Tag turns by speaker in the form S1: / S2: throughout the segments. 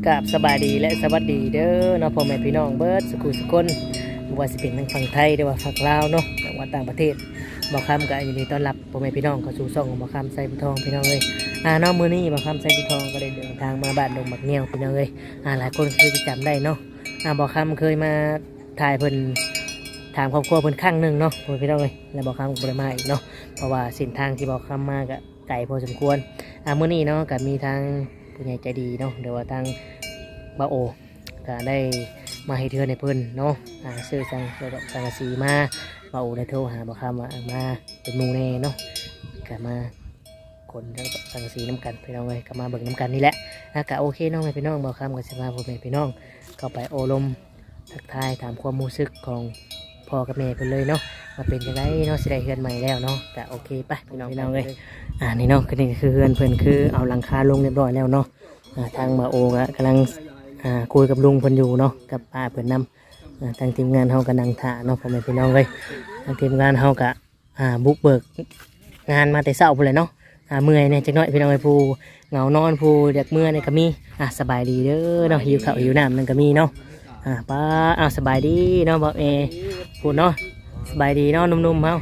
S1: กับสบายดีและสวัสดีเด้อเนาะพ่อแม่พี่น้องเบิร์ดสุขุสุคนว่าสิเป็นทางฝั่งไทยหรือว่าฝั่งลาวเนาะหรือว่าต่างประเทศบ่าวคำก็ยินดีต้อนรับพ่อแม่พี่น้องเข้าสู่ช่องของบ่าวคำไซบุทองพี่น้องเลยเนาะมื้อนี้บ่าวคำไซบุทองก็ได้เดินทางมาบ้านดงบักเงี้ยวพี่น้องเลยหลายคนเคยจำได้เนาะบ่าวคำเคยมาถ่ายเพิ่นถามครอบครัวเพิ่นครั้งหนึ่งเนาะพ่อแม่พี่น้องเลยแล้วบ่าวคำก็บ่ได้มาอีกเนาะเพราะว่าเส้นทางที่บ่าวคำมาก็ไกลพอสมควรมื้อนี้เนาะก็มีทางผู้ใหญ่ใจดีเนาะเดี๋ยวว่าทางบ่าวโอก็ได้มาให้เทือนในเพิ่นเนาะซื้อสังกะสีมาบ่าวโอได้โทรหาบ่าวคำว่ามาเป็นหมู่แน่เนาะก็มาคนทั้งสังกะสีน้ำกันพี่น้องเลยก็มาเบิ่งน้ำกันนี่แหละก็โอเคน้องพี่น้องบ่าวคำก็สิพาพ่อแม่พี่น้องเข้าไปโอลมทักทายถามความรู้สึกของพ่อกับแม่เพิ่นเลยเนาะมาเป็นจังไดเนาะสิได้เฮือนใหม่แล้วเนาะก็โอเคไปพี่น้องเลยนี่เนาะก็นี่คือเฮือนเพิ่นคือเอาหลังคาลงเรียบร้อยแล้วเนาะทางบ่าวโอก็กำลังคุยกับลุงเพิ่นอยู่เนาะกับป้าเพิ่นนำทางทีมงานเฮาก็นั่งท่าเนาะพ่อแม่พี่น้องเลยทางทีมงานเฮาก็บุกเบิกงานมาแต่เช้าพุ่นเลยเนาะเมื่อยเนี่ยจักหน่อยพี่น้องเอ้ยผู้เหงานอนผู้อยากเมื่อยเนี่ยก็มีสบายดีเด้อเนาะหิวข้าวหิวน้ำนั่นก็มีเนาะป้าสบายดีเนาะบ่าวพูดเนาะสบายดีเนาะนุ่มๆเฮา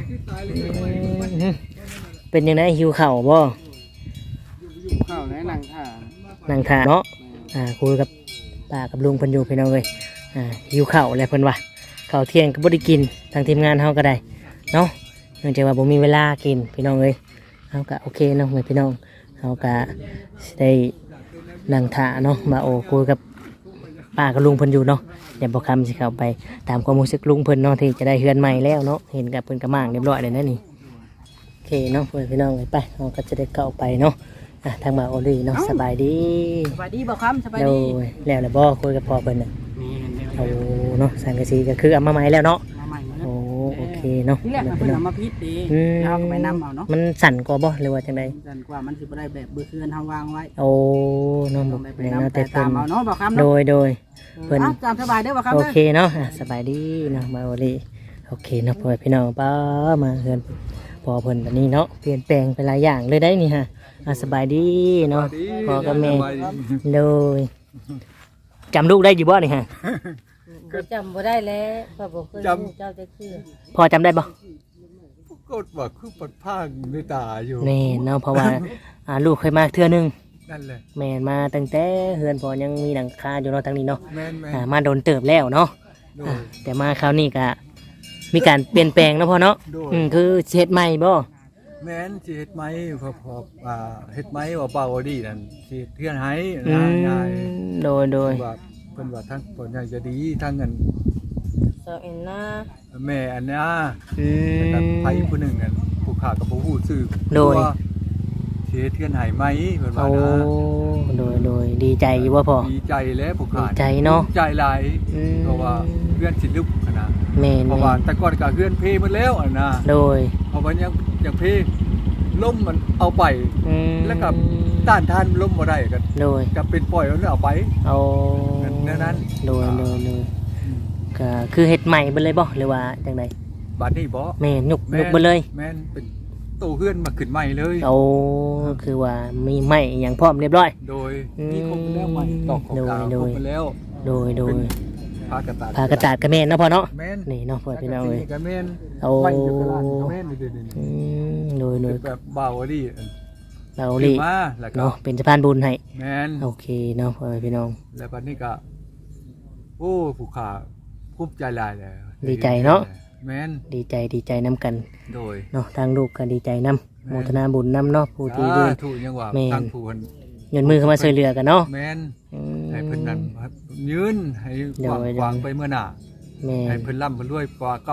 S1: เป็นยังไงหิวข้าวบ่
S2: ข้าวใน
S1: นั่งท่าเนาะคุยกับป้ากับลุงเพิ่นอยู่พี่น้องเอ้ยหิวข้าวอะไรเพิ่นว่าข้าวเที่ยงก็บ่ได้กินทางทีมงานเฮาก็ได้เนาะเนื่องจากว่าบ่มีเวลากินพี่น้องเอ้ยเฮาก็โอเคเนาะพี่น้องเฮาก็สิได้นั่งท่าเนาะมาโอ้คุยกับป้ากับลุงเพิ่นอยู่เนาะเดี๋ยวบ่คำสิเข้าไปตามความรู้สึกลุงเพิ่นเนาะที่จะได้เฮือนใหม่แล้วเนาะเห็นกับเพิ่นกระม่างเรียบร้อยเลยนะนี่โอเคเนาะพี่น้องไปเฮาก็จะได้เข้าไปเนาะทางบ่าวโอลี่เนาะสบายดี
S2: บ่ครับสบายดี
S1: แล้วบ่คุยกับพ่อเพิ่นน่ะโอ้เนาะสังกะสีก็คือเอามาใหม่แล้วเนาะโอ้โอเคเนาะ
S2: นี่แหละเพิ่นเอามาพิษดีเอาไปนำเอาเนาะ
S1: มันสั่นกว่าบ่หรือว่าจังได๋
S2: สั่นกว่ามันสิบ่ได้แบบเบื้อเฮือนเฮาวางไว้
S1: โอ้เนาะ
S2: ไปนำแต่ตามเอาเนาะบ่ครับ
S1: โดยเพิ่น
S2: ตามสบายเด้อบ่ครับ
S1: โอเคเนาะสบายดีเนาะบ่าวโอลี่โอเคเนาะพ่อพี่น้องป้ามาเฮือนพอเพิ่นบัดนี้เนาะเปลี่ยนแปลงไปหลายอย่างเลยได้นี่ฮะสบายดีเนาะพ่อกับแม่เลยจำลูกได้อยู่บ่นี่ฮะ
S3: ก็จำบ่ได้แล้วพ่อบอกเคยรู้เจ้าจะคือ
S1: พ่อจำได้บ่
S4: ก็ว่าคือปัดพางในตาอยู่
S1: แม่เนาะเพราะว่าลูกเคยมาเทื่อนึง
S4: นั่นแหละ
S1: แม่มาตั้งแต่เฮือนพ่อยังมีหลังคาอยู่เนาะทางนี้เนาะ
S4: แม่
S1: มาโดนเติบแล้วเนาะแต่มาคราวนี้ก็มีการเปลี่ยนแปลงเนาะพ่อเนาะคือเฮ็ดใหม่บ่
S4: แม่นสิเฮ็ดไม้พอเฮ็ดไม้ว่าเป่าดีนั่นสิเทือนให้ง่าย
S1: โดย
S4: ว่าเพิ่นว่าทั้งผลใหญ่จะดีทั้งเงิน
S3: ซอเอ็นนา
S4: แม่อันนี้กับไผผู้หนึ่งนั่นผู้ขากับผู้ฮู้ชื่อ
S1: โดย
S4: สิเฮ็ดเทือนให้ไหมเพิ่นว่านะ
S1: โดยดีใจอยู่บ่พ่อ
S4: ดีใจแล้วผู้ขา
S1: ดีใจเนาะ
S4: ใจหลายเพราะว่าเพื่อนสิลุกขนาด
S1: แม่
S4: เพราะว่าแต่ก่อนก็เพื่อนเพหมดแล้วนะ
S1: โดย
S4: เพราะว่ายังเพล้มมันเอาไปแล้วก็ต้านทานล้มบ่ได้กัน
S1: โดย
S4: ก็เป็นปล่อยมันเอาไป
S1: เอา
S4: นั้น
S1: โดยก็คือเฮ็ดใหม่เบิดเลยบ่หรือว่าจังได๋
S4: บัดนี้บ่
S1: แม่ยุกเบิดเลย
S4: แม่นเป็นตู้เฮือนมาขึ้นใหม่เลย
S1: โอ้คือว่ามีใหม่หยังพร้อมเรียบร้อย
S4: โดยมีครบแล้วใหม่ตอกของกลางครบแล้ว
S1: โดย
S4: ผ้าก
S1: ระตาดก็แม่นเนาะพ่อเนาะ
S4: นี่
S1: เนาะพ่อพี่น้องเอ้ย
S4: ก็แม่น
S1: โอ้
S4: แม่น
S1: โดย
S4: แบบเบาดิ
S1: มาเนาะเป็นสะพานบุญให้
S4: แม่น
S1: โอเคเนาะพ่อพี่น้อง
S4: แล้วบัดนี้ก็โอ้ผู้ขาภูมิใจหลายแล้ว
S1: ดีใจเนาะ
S4: แม่น
S1: ดีใจนํกัน
S4: โดย
S1: เนาะทางลูกก็ดีใจนํโมทนาบุญนํเนาะผู้ที่ยืน
S4: ถูกยังว่าทางผู้เพิ่น
S1: ยืนมือเข้ามาช่วยเหลือกันเนาะ
S4: แม่นให้เพิ่นนั่นยืนให้วางไปเมื่อหน้าให้เพิ่นร่ำเพิ่นรวยกว่าเก่า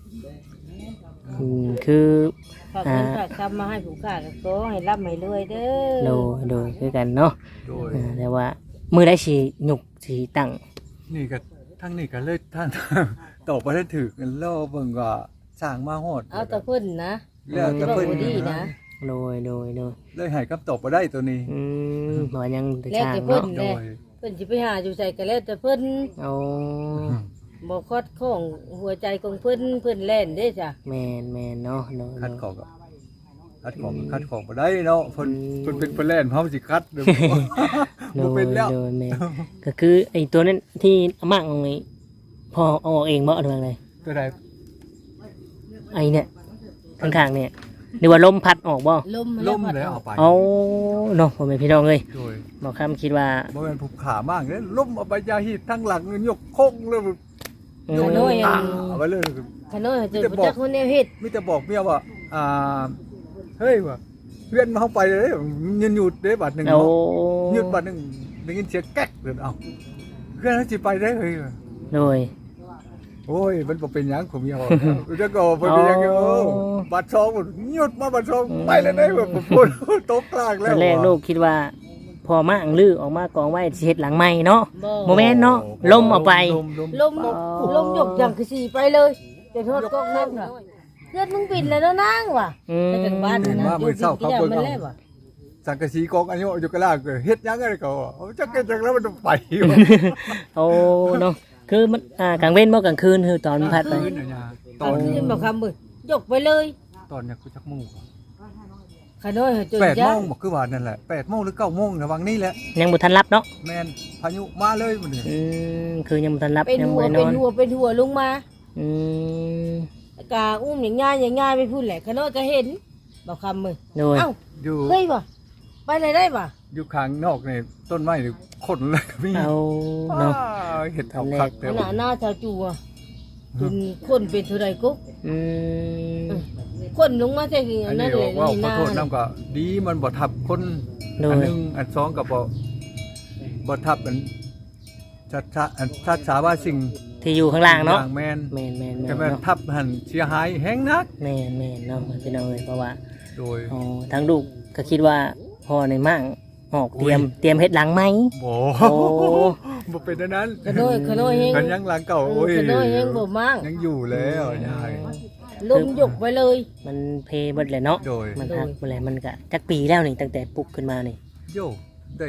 S1: คือ
S3: ฝากเงินฝากคำมาให้ผู้ค้าก็ขอให้ร่ำให้รวยเด้อ
S1: โดยคือกันเนาะแต่ว่ามื้อใดสิยุกสิตั้ง
S4: นี่ก็ทั้งนี้ก็เลยท่านตอบบ่ได้ถูกกันรอเบิ่งว่าสร้างมาฮอด
S3: เอาแต่เพิ่นนะ
S4: แล้วแต่เพิ่น
S3: ดีนะ
S1: โดย
S4: เลยให้คำตอบบ่ได้ตัวนี้
S1: บ่ยัง
S3: สร้างเนาะเพิ่นสิไปหาอยู่ใส่ก็แล้วแต่เพิ่น
S1: เอา
S3: บ่คดของหัวใจของเพิ่นแล่นเด้จ้ะ
S1: แม่นเนาะ
S4: คัดของก็คัดของบ่ได้เนาะเพิ่นเป็นเพิ่นแล่นเฮาสิคัดเด้อบ่เป็นแล้ว
S1: โดยแม่ก็คือไอ้ตัวนั้นที่อาม่าเอาไว้พอเอาออกเองบ่หรือว่าไง
S4: ตัวใด
S1: ไอ้เนี่ยข้างๆเนี่ยหรือว่าลมพัดออกบ่
S4: ล้มแล้วเอาไป
S1: เอาเนาะพ่อแม่พี่น้องเอ้ย
S4: โดย
S1: บ่คำคิดว่า
S4: บ่แม่นผูกขามากเด้ล้มเอาไปยาฮีดทั้งหลังยกโค้งเลยยกเอาไปเลย
S3: ขน้อยเจอจักคนแนวเฮ็ด
S4: มีแต่บอกเมียว่าเฮ้ยว่าเพื่อนมาเข้าไปเลยยืนหยุดได้บาทหนึ่ง
S1: เอา
S4: หยุดบาทหนึ่งได้ยินเสียงแก๊กเลยเอาเพื่อนเขาจะไปได้เฮ้ย
S1: โดย
S4: โอ้ยมันบ่เป็นหยังผมเมียบอกจะก็เป็นหยังบาทสองหยุดมาบาทสองไปแล้วได้แบบพูดตกกลางแล้
S1: ต
S4: ว
S1: อนแรกลูกคิดว่าพอมาอังลือออกมากองไว้สิเฮ็ดหลังใหม่เนาะโมเมนต์เนาะลมเอาไป
S3: ลมยกจังคือสิไปเลยจะโทษกอกนั่นค่ะเลือดมึงปิดแล้วเนาะนางว่ะไปถึงบ้านนะอยู่ที่มันแล้วว่ะ
S4: สังกะสีกองอันนี้อยู่กะลาเฮ็ดยังไงก็จักเก็ตจังแล้วมันไป
S1: โอ้เนาะคือมันกลางเว้นบ่กลางคืนคือตอนมันพัดไป
S3: ตอนคืนบอกคำมึงยกไปเลย
S4: ตอนนี้กูจักโมง
S3: ขน้อยจน
S4: 8
S3: ยา
S4: โมงบ่คือว่านั่นแหละ8โมงหรือ9โมงระวังนี่แหละ
S1: ยังบ่ทันรับเนาะ
S4: แม่นพายุมาเลยมื้อนี้
S1: คือยังบ่ทันรับ
S3: เป็น
S1: ยัง
S3: หัว
S1: บ่น
S3: เป็
S1: อน น
S3: หัวเป็นหัวลงมา
S1: อืม
S3: กาอุ้มอย่างง่ายไปพูดแหละขน้อยก็เห็นบอกคำมึง
S1: โดย
S3: เอ้า
S4: อยู่
S3: เฮ้ยว่ะไปไหนได้ว่ะ
S4: อยู่ข้างนอกนี่ต้นไม้นี่คนเลยก็มี
S1: เอาเนาะ
S4: เห็ดเอาคัก
S3: ข
S4: แต่
S3: นาดหน้าชาวจูอ่ะจนคนเป็นเท่าไรกุ๊ก
S1: อืม
S3: คนลงมาใช่กี่
S4: อัน
S3: นั่
S4: นี้
S3: นเลย
S4: ว่า
S3: นี่
S4: ขอ
S3: นา
S4: โทษน้ำก็ดีมันบ่ทับคน
S1: โด
S4: อัน
S1: ย
S4: หนึงอันสองก็บ่ทับอันชัดสาว่าสิ่ง
S1: ที่อยู่ข้างล่างเนาะ
S4: แม่น
S1: แม่นแม่นแม่
S4: แต่
S1: น
S4: แม่น
S1: เนาะ
S4: ทับหันเสียหายแฮงนัก
S1: แม่นแม่นเนาะพี่น้องเอ้ยเพราะว่า
S4: โดย
S1: อ๋อทั้งลูกก็คิดว่าพ่อในมั่งออกเตรียมเฮ็ดหลังไหม
S4: บ่
S1: โอ้
S4: บ่เป็นอันนั้น
S3: ขน้อยเฮง
S4: กันยังหลังเก่าโอ้ย
S3: ขน้อยเฮงบ่มั่ง
S4: ยังอยู่แล้วยาย
S3: ลมยกไปเลย
S1: มันเพเบิดเลยเนาะ
S4: โดย
S1: มันหักไปเลยมันก็จักปีแล้วนี่ตั้งแต่ปลุกขึ้นมานี่
S4: โยได้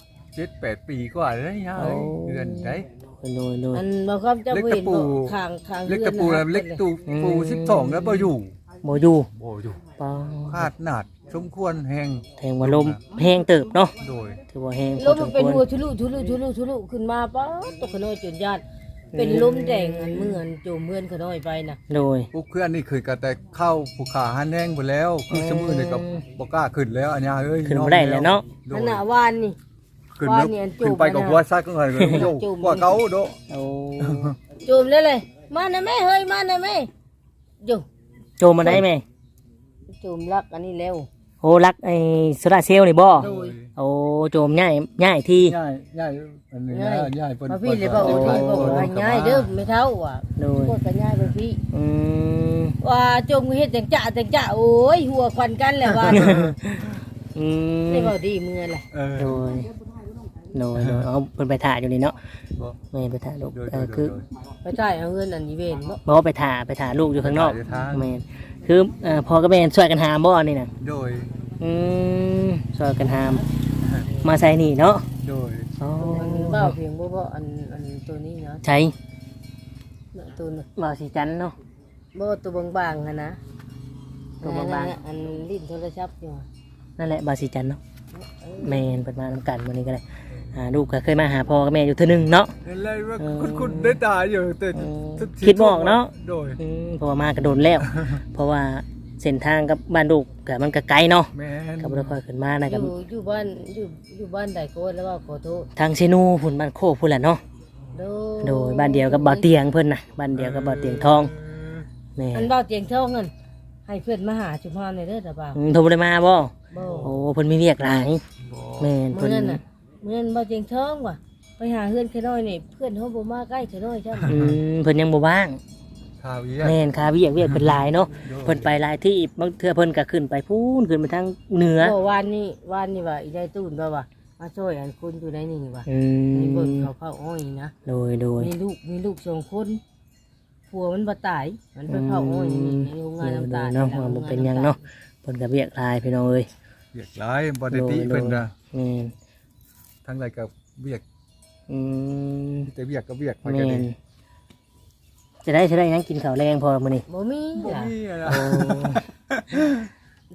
S4: 7-8 ปีกว่าแล้วยายเดือนได้
S1: โดย
S3: อันบอกความจะเห็นข้าง
S4: เล็กตะปูเล็กตูปู12แล้วบ่อยู่
S1: บ่อยู่
S4: บ่อยู่
S1: ปอ
S4: ขาดหนาดสมควรแหง
S1: แทงว่าลมแห้งเติบเนาะ
S4: โดย
S1: ถือว่าแห้ง
S3: ลมมันเป็นหัวทุลุขึ้นมาป๊าตกขน้อยจนญาติเป็นลมแดงอันเหมือนโจมเมือนขน้อยไปนะ
S1: โดย
S4: พวกเพื่อนนี่เคยก็แต่เข้าภูขาหันแห้งไปแล้ว คือสมือนี่ก็บ่กล้าขึ้นแล้วอันนี้เอ้ย
S1: ขึ้นบ่ได้แล้วเนาะ
S4: โด
S3: ข
S4: ย
S3: ณะวานนี่
S4: ขึ้นแล้ว
S3: ว่าเนี่ยจูบ
S4: ขึ้นไปกับหัวซักก็ไงก็โยกกว่าเขาโด
S1: โอ้
S3: โจมเลยมานะแม่เฮ้ยมานะแม่อยู่
S1: โจมมาได้ไหม
S3: โจมรักอันนี้เร็ว
S1: โอ้รักไอ้โซลาร์เซลล์นี่บ่
S3: โดย
S1: โอ้โจมง่ายที่
S4: ง่ายอันนี้ง่ายเพิ่น
S3: มาพี่เลยบอกว่าพี่บอกว่าง่ายเด้อไม่เท่าว่ะ
S1: โดย
S3: พวกกันง่ายไปพี่
S1: อืม
S3: ว่าจมเฮ็ดจังจ่าโอ้ยหัวควันกันแหละว่า
S1: อืม
S3: ไม่บอกดีมือแหละ
S1: โดยเอาเพิ่นไปถ่ายอยู่นี่เนาะแม่ไปถ่ายลูกคือ
S3: ไปจ่ายเอาเงินอันนี้เวนบ่
S1: บอกว่าไปถ่ายลูกอยู่ข้างนอกแม่คือพ่อกับแม่ช่วยกันหามบ่นี่น่ะ
S4: โดย
S1: ช่วยกันหาม มาใส่นี่เนาะ
S4: โดย
S1: อ๋อ
S3: อันเบ้าเพียงบ่อันตัวนี้เนาะ
S1: ใช้
S3: ตัวนึง
S1: บ่สีจันเนาะ
S3: บ่ตัวบางๆหั่นนะ
S1: ตัวบางๆ
S3: อันลิ้นโทรศัพท์อยู่
S1: นั่นแหละบ่สีจันเนาะแม่นเปิดมานำกันมื้อนี้ก็ได้ลูกก็เคยมาหาพ่อกับแม่อยู่เทื่อนึงเนาะ
S4: เห็นเลยว่าคุณได้ตาอยู่แต่
S1: คิดบ่ออกเนาะ
S4: โดย
S1: เพราะว่ามากระโดนแล้ว เพราะว่าเส้นทางกับบ้านลูกก็มันก็ไกลเนาะ
S4: แม่น
S1: ก็บ่ได้ค่อยขึ้นมานะ
S3: อ
S1: กับ
S3: ยู่บ้านอยู่บ้านใดก็แล้วว่าขอโทษ
S1: ทางเชนูพุ่นบ้านโคกพุ่นแหละเนาะโดยบ้านเดียวกับบ่อเตียงเพิ่นน่ะบ้านเดียวกับบ่อเตียงทองแม่
S3: อันเบ้าเตียงทองนั่นให้เพื่อนมาหาชุมพรในเด้อตาบ่าว
S1: โทรบ่ได้มาบ่
S3: บ่
S1: โอ้เพิ่นมีเรียกหลายแม่น
S3: มื้
S1: เพิ่
S3: อน นั้นน่ะมื้อนั้นเบ้าเตียงทองว่ะไปหาเพื่อนแค่น้อยนี่เพื่อนเฮาบ่มาใกล้แค่น้อยใช่มั้ย
S1: เพิ่นยังบ่ว่าง
S4: ข่าวอี
S1: แม่นคาเวียกเพิ่นหลายเนาะเพิ่นไปหลายที่บางเทื่อเพิ่นก็ขึ้นไปพูนขึ้นไปทางเหนือ
S3: บ่วานนี่ว่าอีได้ตูนบ่ว่ามาช่วยอันคุณอยู่ในนี่ว่ะ
S1: อื
S3: นี่เบิ่ง
S1: ม
S3: เขาอ้อยนะ
S1: โดย
S3: มีลูก2คนผัวมันบ่ตายมันไปเผาอ้อยนี่ในโรงงานน้ำตาล
S1: เนาะว่าบ่เป็นหยังเนาะเพิ่นก็เวียกหลายพี่น้องเอ้ย
S4: เวียกหลายบ่ได้ติเพิ่นน่ะ
S1: แม่น
S4: ทั้งหลายก็เวียก
S1: อืม
S4: แต่เวียกก็เวียกไป
S1: แม่
S4: กัน
S1: น
S4: เอง
S1: จะได้หยังกินข้าวแรงพอมื้อนี้
S3: บ่มี
S4: บ่
S3: ล่ะ
S4: มีอะ
S1: โอ้
S3: เท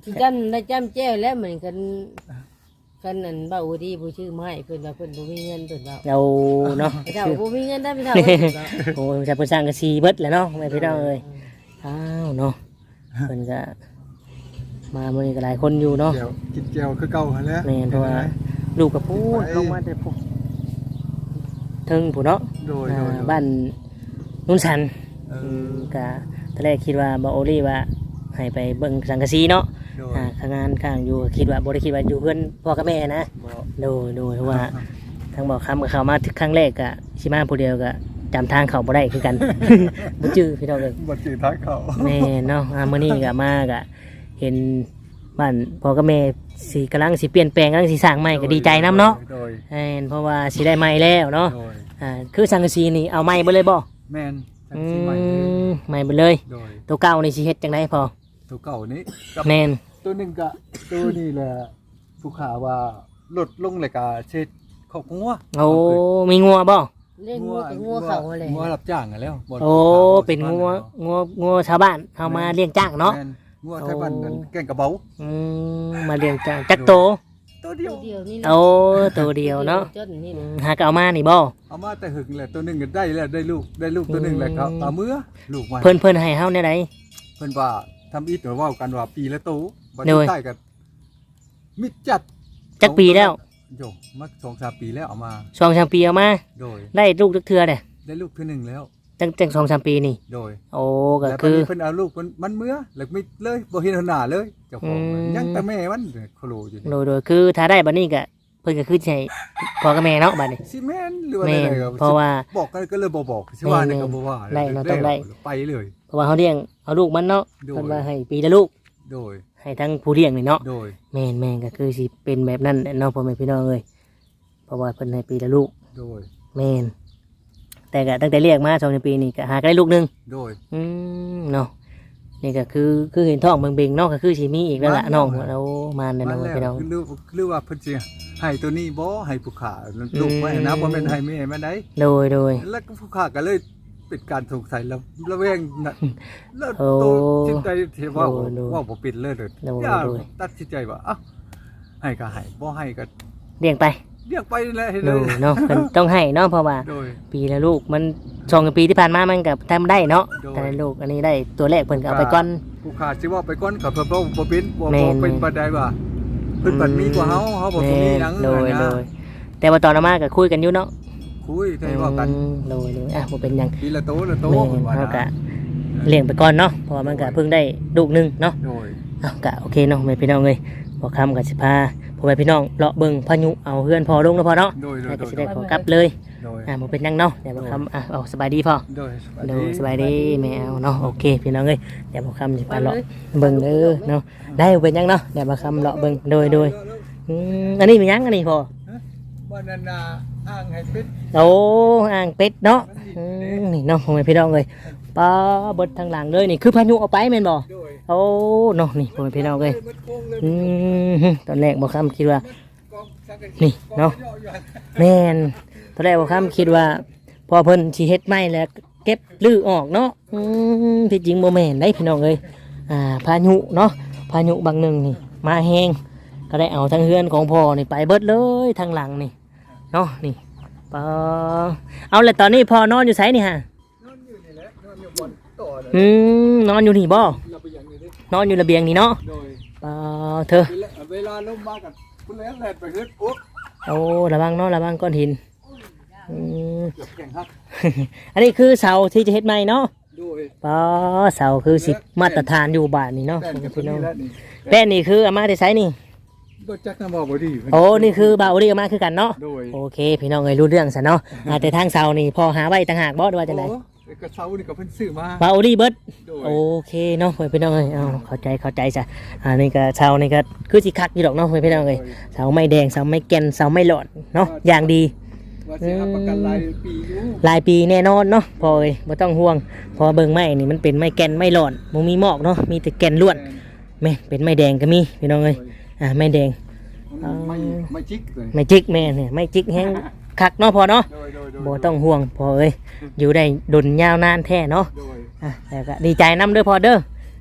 S3: สิจำได้จำแจ้วแล้วเหมือนกันกันนั่นบ่าวดีผู้ชื่อไม้เพิ่นว่าเพิ่นบ่มีเงินเพิ่นว่า
S1: เอาเนาะ
S3: เจ้าบ่มีเงินได้ไม่เท่า
S1: โอ้ยจะเพิ่นสร้างกระซีเบิดแหล้วเนาะแม่พี่น้องเอ้ยอ้าวเนาะเพิ่นก็มามื้อนี้ก็หลายคนอยู่เนาะ
S4: แก้วกินแก้วคือเก่าหั่นแหละ
S1: แม่นเพราะว่าลูกกับพูดลงมาแต่พวกเทิงผู้เนาะ
S4: โดย
S1: บ้านนุ่นสัน
S4: เออ
S1: ก็ตอนแรกคิดว่าบ่โอลี่ว่าให้ไปเบิ่งสังกะสีเนาะ
S4: โดย
S1: ข้างงานข้างอยู่คิดว่าบ่ได้คิดว่าอยู่เพื่อนพ่อกับแม่นะ
S4: บ่
S1: โดยเพราะว่าทางบอกคำกับเขามาถึงครั้งแรกก็สิมาผู้เดียวก็จำทางเขาบ่ได้คือกัน บ่จื้อพี่น้องเอ้ย
S4: บ่สิทักเขา
S1: แม่เนาะมื้อนี้ก็มาก็เห็นบ้านพ่อกับแม่สิกำลังสิเปลี่ยนแปลงกำลังสิสร้างใหม่ก็ดีใจนํเนาะ
S4: โดย
S1: เพราะว่าสิได้ใหม่แล้วเนาะ
S4: โดย
S1: คือสังกะสีนี่เอาใหม่บ่เลยบ่
S4: แม่นจัง
S1: อื
S4: สิใหม่เลย
S1: มใหม่ไปเลย
S4: โดย
S1: ตัวเก่านี่สิเฮ็ดจังได๋พอ
S4: ตัวเก่านี้กับ
S1: แม่น
S4: ตัวหนึงก็ตัวนี้แหละผู้ขาว่าลดลงเลยก็เช็ดครอบครัว
S1: โอ้มีงัวบ่
S3: เล่นงัวกับงัวเขาอะไร
S4: งัวรับจ้างกันแล้วบ่
S1: โอ้เป็นงัวชาวบ้านเอามาเลี้ยงจ้างเนาะ
S4: แม่งัวไทยบ้านนั่นแกงกระเบา
S1: มาเลี้ยงจ้างจักโต
S4: ตัวเดียว
S3: เดียวนี่
S1: โอ้ตัวเดียวเนาะ
S3: จนนี่
S1: หากเอามานี่บ่
S4: เอามาแต่หึงแหละตัวหนึงก็ได้แล้วได้ลูกตัวหนึงแหละครับเอามือลูกมัน
S1: เพิ่นให้เฮาแนวใด
S4: เพิ่นว่าทำอีทหรือว่ากันว่าปีละโตบัด
S1: โด
S4: นี้
S1: ย
S4: ใต้กันมิดจัด
S1: จักปีแล้ว
S4: โยมา2-3 ปีแล้วเอามา
S1: 2-3 ปีเอามา
S4: โดย
S1: ได้ลูกจักเทื่อเด้
S4: ได้ลูกตัวหนึงแล้ว
S1: จัง 2-3 ปีนี่
S4: โดย
S1: โอ้ก็
S4: แล้ว
S1: คือ
S4: เพิ่นเอาลูกมันเมื่อแล้วมิดเลยบ่เห็นหน้าเลยเจ้าของ
S1: อืม
S4: ยังแต่แม่มันโคโลอยู่นี่
S1: โดยคือถ้าได้บัดนี้ก็เพิ่นก็คือสิให้พ่อกับแม่เนาะบัดนี้
S4: สิแม่นหรือว่า
S1: แม่น
S4: อะไรครับ
S1: เพราะว่า
S4: บอกกันก็เลยบ่บอกสิว่านี่ก็บ่ว่า
S1: ได้เนาะต้องได้
S4: ไปเลย
S1: เพราะว่าเฮาเลี้ยงเอาลูกมันเนาะ
S4: โดย
S1: เพิ่นว่าให้ปีละลูก
S4: โดย
S1: ให้ทั้งผู้เลี้ยงนี่เนาะ
S4: โดย
S1: แม่นก็คือสิเป็นแบบนั้นแหละเนาะพ่อแม่พี่น้องเอ้ยเพราะว่าเพิ่นให้ปีละลูก
S4: โดย
S1: แม่นแต่ก็ตั้งแต่เรียกมา2ปีนี่ก็หาได้ลูกหนึง
S4: โดย
S1: เนาะนี่ก็คือเห็นท้องเบ่งๆเนาะก็คือสิมีอีกแล้วล่ะน้องเรามาแน่นอนพี่น้อง
S4: หรือว่าเพิ่นสิให้ตัวนี้บ่ให้ผู้ขาลูกไว้นะบ่แม่นให้แม่แม่นได้
S1: โดย
S4: แล้วก็ผู้ขาก็เลยเป็นการสงสัยแล้วระแวงน่ะแล้ว
S1: โอ้
S4: ตัวจิตใจที่ว่า
S1: โดย
S4: ว่าบ่ปิดเลยเด้อ
S1: โดย
S4: อย่า
S1: โดย
S4: ตัดสินใจว่าเอ้าให้ก็ให้บ่ให้ก็
S1: เลี้ยงไป
S4: เรียกไปนั่นแหละให้
S1: โด
S4: เลย
S1: เนาะเพิ่นต้องให้เนาะเพราะว่า
S4: โดย
S1: ปีละลูกมัน2ปีที่ผ่านมามันก็ทำได้เนาะ
S4: โดย
S1: แต่ลูกอันนี้ได้ตัวแรกเพิ่นก็เอาไปก่อน
S4: ผู้ขาสิว่าไปก่อนก็เพิ่นบ่เป็นบ่
S1: แม่น
S4: เป็นปานใดว่าเพิ่นบัดมีกว่าเฮาบ่มีหยัง
S1: โดย
S4: นะ
S1: แต่ว่าตอนเอามาก็คุยกันอยู่เนาะ
S4: คุยได้ว่ากัน
S1: โดยอ่ะบ่เป็นหยัง
S4: ปีละโตละโต
S1: แม่
S4: เพิ่นว่า
S1: เฮา
S4: นะ
S1: ก็เลี้ยงไปก่อนเนาะเพราะว่ามันก็เพิ่งได้ลูกหนึงเนาะ
S4: โดย
S1: เอาก็โอเคเนาะแม่พี่น้องเอ้ยพอคำก็สิพาพ่อแม่พี่น้องเลาะเบิ่งพายุเอาเฮือนพอลงแล้วพอเนาะ
S4: โดย
S1: แล้วก็สิ
S4: โด
S1: ได้
S4: ย
S1: ขอกลับเลย
S4: โดย
S1: บ่เป็นหยังเนาะเดี๋ยวพอคำเอาสบายดีพ่อ
S4: โดย
S1: โดยสบายดีแม่เอาเนาะโอเคพี่น้องเอ้ยเดี๋ยวพอคำสิพาเลาะเบิ่งเด้อเนาะได้บ่เป็นหยังเนาะเดี๋ยวพอคำเลาะเบิ่งโดยอันนี้เป็นหยังอันนี้พ่อ
S4: บ่นั่นน่ะอ้างให้ปิด
S1: โอ้อ่างเป็ดเนาะนี่เนาะพ่อแม่พี่น้องเอ้ยปลาเบิดทางหลังเลยนี่คือพายุเอาไปแม่นบ่
S4: โดย
S1: โอ้เนาะนี่พ่อแม่พี่น้องเอ้ย
S4: มันโค้งเลย
S1: ตอนแรกบ่คำคิดว่า
S4: กองสังกะสี
S1: นี่เนาะ
S4: กองย่อๆ
S1: แม่นตอนแรกบ่คำคิดว่า พอเพิ่นสิเฮ็ดไม้แล้วเก็บลื้อออกเนาะที่จริงบ่แม่นได้พี่น้องเอ้ยพายุเนาะพายุบางหนึงนี่มาแฮงก็ได้เอาทั้งเฮือนของพ่อนี่ไปเบิดเลยทางหลังนี่เนาะนี่ปอเอาแล้วตอนนี้พ่อนอนอยู่ไสนี่ฮะ
S4: นอนอยู่นี่แหละนอนอยู่บนโต๊ะน่ะ
S1: นอนอยู่นี่บ่
S4: เราไปอย่างนี้ดิ
S1: นอนอยู่ระเบียงนี่เนาะ
S4: โดย
S1: ปอเธอ
S4: เวลาลมมากันคุณแล้วแล่นไปเฮ็ดอุ๊บ
S1: โอ้ระวังเนาะระวังก้อนหิน
S4: เกือบแข่งฮัก
S1: อันนี้คือเสาที่จะเฮ็ดใหม่เนาะ
S4: โดย
S1: ปอเสาคือสิมาตรฐานอยู่บ้านนี่เนาะ
S4: แล่นกับ
S1: พี่น้อง
S4: แล้วนี่
S1: แป้นนี่คือเอามาได้ไสนี่
S4: บ่จักน้ำบ่ดี
S1: โอ้นี่คือบ่าวรีเอามาคือกันเนาะ
S4: โดย
S1: โอเคพี่น้องเอ้ยรู้เรื่องซะเนาะแต่ทางเสานี่พอหาไว้ต่างหากบ่ว่าจังได๋
S4: โอ้กระเช้านี่ก็เพิ่นซื้อมา
S1: บ่าวรีเบิด
S4: โดย
S1: โอเคเนาะพี่น้องเอ้ยเอาเข้าใจจ้ะนี่ก็เสานี่ก็คือสิคักอยู่ดอกเนาะพี่น้องเอ้ยเสาไม้แดงเสาไม้แก่นเสาไม้หลอดเนาะอย่างดี
S4: ว่าสิรับประกันรายปีอยู่
S1: หลายปีแน่นอนเนาะพอเอ้ยบ่ต้องห่วงเพอเบิ่งไม้นี่มันเป็นไม้แก่นไม้หลอดบ่มีหมอกเนาะมีแต่แก่นล้วนแม่เป็นไม้แดงก็มีพี่น้องเอ้ยไม้แดง
S4: ไม่จิกเลย
S1: ไม้จิกแม่เนี่ยไม้จิกแห้งคักเนาะพอเนาะ
S4: โดย
S1: บ่ต้องห่วงพอเอ้ยอยู่ได้ดนยาวนานแท้เนาะ
S4: โดย
S1: แต่ก็ดีใจนํเด้อพอเด้อ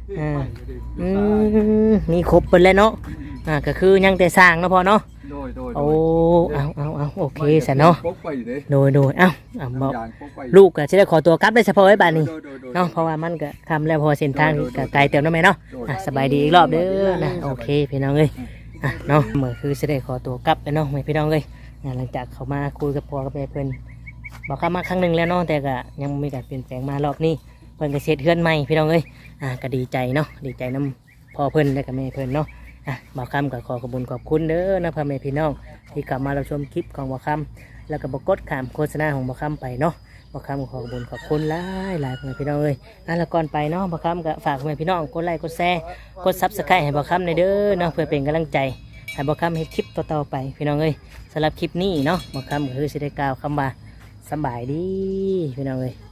S1: มีครบเปิดแล้วเนาะก็คือยังแต่สร้างเนาะพอเนาะ
S4: โดย
S1: โอ้เอาโอเคสันเนาะ
S4: ปกไปเด้
S1: โดยเอาบอก
S4: ยานปกไป
S1: ลูกก็จะได้ขอตัวกลับได้เฉพาะไว้บ้านนี้
S4: โดย
S1: เนาะเพราะว่ามันก็ทำแล้วพอเส้นทางก็ไกลเติมน้ำไหมเนาะสบายดีอีกรอบเด้อนะโอเคพี่น้องเอ้ยเนาะเมื่อคือจะได้ขอตัวกลับไปเนาะพี่น้องเอ้ยหลังจากเขามาคุยกับพ่อกับแม่เพิ่นบอกเขามาครั้งหนึ่งแล้วเนาะแต่ก็ยังมีการเปลี่ยนแปลงมารอบนี้เพิ่นก็เสร็จเฮือนใหม่พี่น้องเอ้ยก็ดีใจเนาะดีใจน้ำพ่อเพิ่นและกับแม่เพิ่นเนาะบ่าวคำก็ขอขอบคุณเด้อนะพ่อแม่พี่น้องที่กลับมาเราชมคลิปของบ่าวคำแล้วก็บ่กดข้ามโฆษณาของบ่าวคำไปเนาะบ่าวคำขอขอบคุณหลายพ่อแม่พี่น้องเอ้ยแล้วก่อนไปเนาะบ่าวคำก็ฝากพ่อแม่พี่น้องกดไลค์กดแชร์กด Subscribe ให้บ่าวคำในเด้อเนาะเพื่อเป็นกำลังใจให้บ่าวคำเฮ็ดคลิปต่อๆไปพี่น้องเอ้ยสำหรับคลิปนี้เนาะบ่าวคำก็คือสิได้กล่าวคำว่าสบายดีพี่น้องเอ้ย